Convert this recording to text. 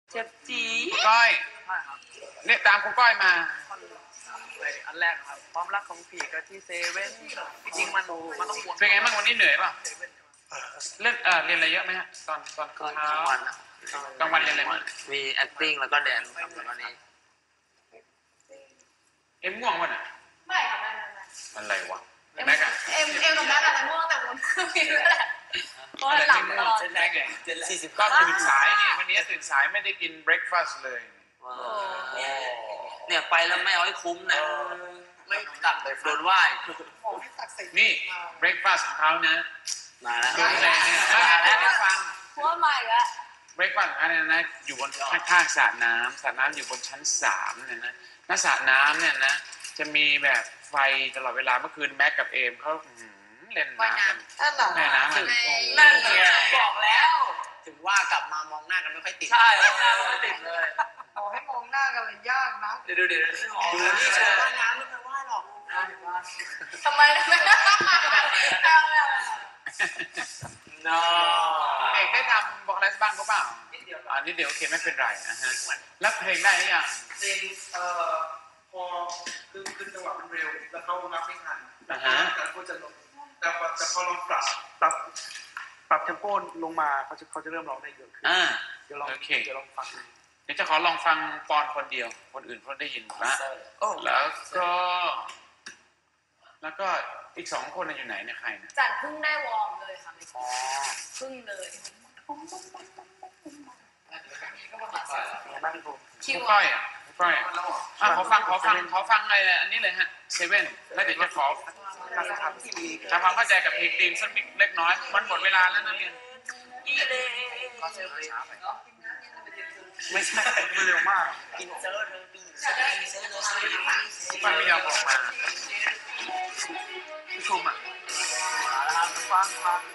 เจ็บจีก้อยใช่ครับเนี่ยตามคุณก้อยมาอันแรกครับความรักของผีกับที่เซเว่นจริงๆมันต้องวนเป็นไงบ้างวันนี้เหนื่อยป่ะเรื่องเรียนอะไรเยอะไหมฮะตอนกลางวันกลางวันเรียนอะไรบ้างมี acting แล้วก็แดนครับแล้วก็นี้เอ็มง่วงวะน่ะไม่ค่ะไม่อะไรวะแม็กอะเอ็มกับแม็กอะแต่ง่วงแต่วนเครื่องบินแล้วแหละเพราะหลับตลอดแม็กไงก็ตื่นสายนี่วันนี้ตื่นสายไม่ได้กินเบรคฟาสต์เลยเนี่ยไปแล้วไม่เอาให้คุ้มนะไม่ตัดเลยโดนไหว้นี่เบรคฟาสต์ของเขานะมาแล้วแล้วฟังเพราะว่าใหม่แล้วเบรคฟาสต์ของเขาเนี่ยนะอยู่บนข้างสระน้ำอยู่บนชั้น3เนี่ยนะณสระน้ำเนี่ยนะจะมีแบบไฟตลอดเวลาเมื่อคืนแม็กกับเอมเขาเล่นน้ำกันแม่น้ำกันนั่นไงบอกแล้วถึงว่ากลับมามองหน้ากันไม่ค่อยติดใช่มองหน้าไม่ติดเลยเอาให้มองหน้ากันเลยยากนะเดี๋ยวนี่เชิญว่ายน้ำไม่เคยว่ายหรอกทำไมไม่น้อเอกได้ทำบอกอะไรบ้างก็เปล่านิดเดียวโอเคไม่เป็นไรนะฮะแล้วเพลงได้หรือยังเพลงพอคือจังหวะมันเร็วแล้วเขานับไม่ทันแต่เขาจะลงแต่พอลองปรับเทมโปลงมาเขาจะเริ่มร้องได้เยอะขึ้นเดี๋ยวลองฟังเดี๋ยวจะขอลองฟังปอนคนเดียวคนอื่นเขาได้ยินนะแล้วก็อีก2คนอยู่ไหนเนี่ยใครนะจันเพิ่งได้วอร์มเลยค่ะเพิ่งเลยคิวก้อยขอฟังอะไรอันนี้เลยฮะเซเว่นแล้วเดี๋ยวจะขอทำความเข้าใจกับเพลงตีมสักเล็กน้อยมันหมดเวลาแล้วนะเรียนไม่ใช่เร็วมากมันไม่ยอมออกมาชมอ่ะฟัง